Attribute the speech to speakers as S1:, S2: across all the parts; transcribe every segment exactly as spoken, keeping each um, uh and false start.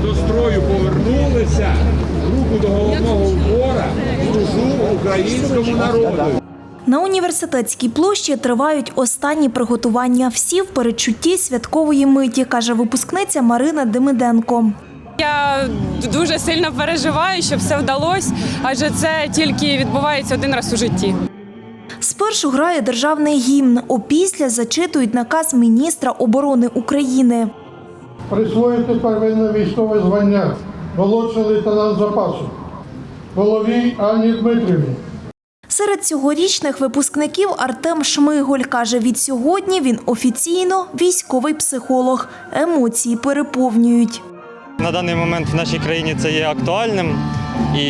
S1: до строю повернулися, руку до головного убора, служу українському народу.
S2: На Університетській площі тривають останні приготування. Всі в передчутті святкової миті, каже випускниця Марина Демиденко.
S3: Я дуже сильно переживаю, щоб все вдалося, адже це тільки відбувається один раз у житті.
S2: Спершу грає державний гімн, опісля зачитують наказ міністра оборони України.
S4: Присвоїти первинне військове звання молодший лейтенант запасу Головій Анні Дмитрівні.
S2: Серед цьогорічних випускників Артем Шмиголь каже, від сьогодні він офіційно військовий психолог. Емоції переповнюють.
S5: На даний момент в нашій країні це є актуальним, і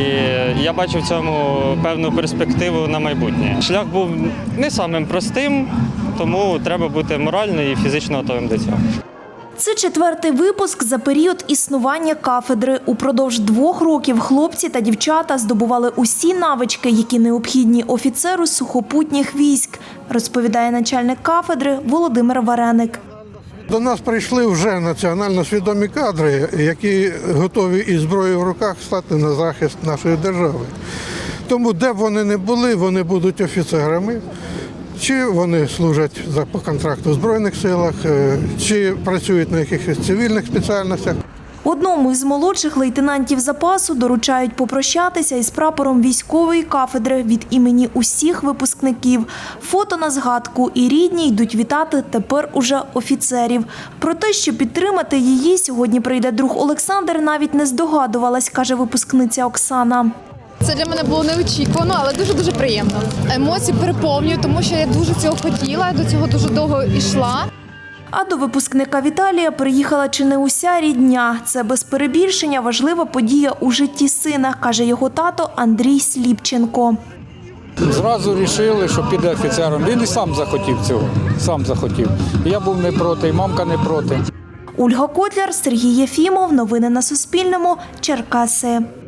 S5: я бачу в цьому певну перспективу на майбутнє. Шлях був не самим простим, тому треба бути морально і фізично готовим до цього.
S2: Це четвертий випуск за період існування кафедри. Упродовж двох років хлопці та дівчата здобували усі навички, які необхідні офіцеру сухопутніх військ, розповідає начальник кафедри Володимир Вареник.
S4: До нас прийшли вже національно свідомі кадри, які готові із зброєю в руках стати на захист нашої держави. Тому де б вони не були, вони будуть офіцерами. Чи вони служать по контракту в Збройних силах, чи працюють на якихось цивільних спеціальностях.
S2: Одному із молодших лейтенантів запасу доручають попрощатися із прапором військової кафедри від імені усіх випускників. Фото на згадку, і рідні йдуть вітати тепер уже офіцерів. Про те, що підтримати її сьогодні прийде друг Олександр, навіть не здогадувалась, каже випускниця Оксана.
S6: Це для мене було неочікувано, але дуже-дуже приємно. Емоції переповнюю, тому що я дуже цього хотіла, до цього дуже довго йшла.
S2: А до випускника Віталія приїхала чи не уся рідня. Це без перебільшення важлива подія у житті сина, каже його тато Андрій Сліпченко.
S7: Зразу вирішили, що піде офіцером. Він і сам захотів цього, сам захотів. Я був не проти, і мамка не проти.
S2: Ольга Котляр, Сергій Єфімов. Новини на Суспільному. Черкаси.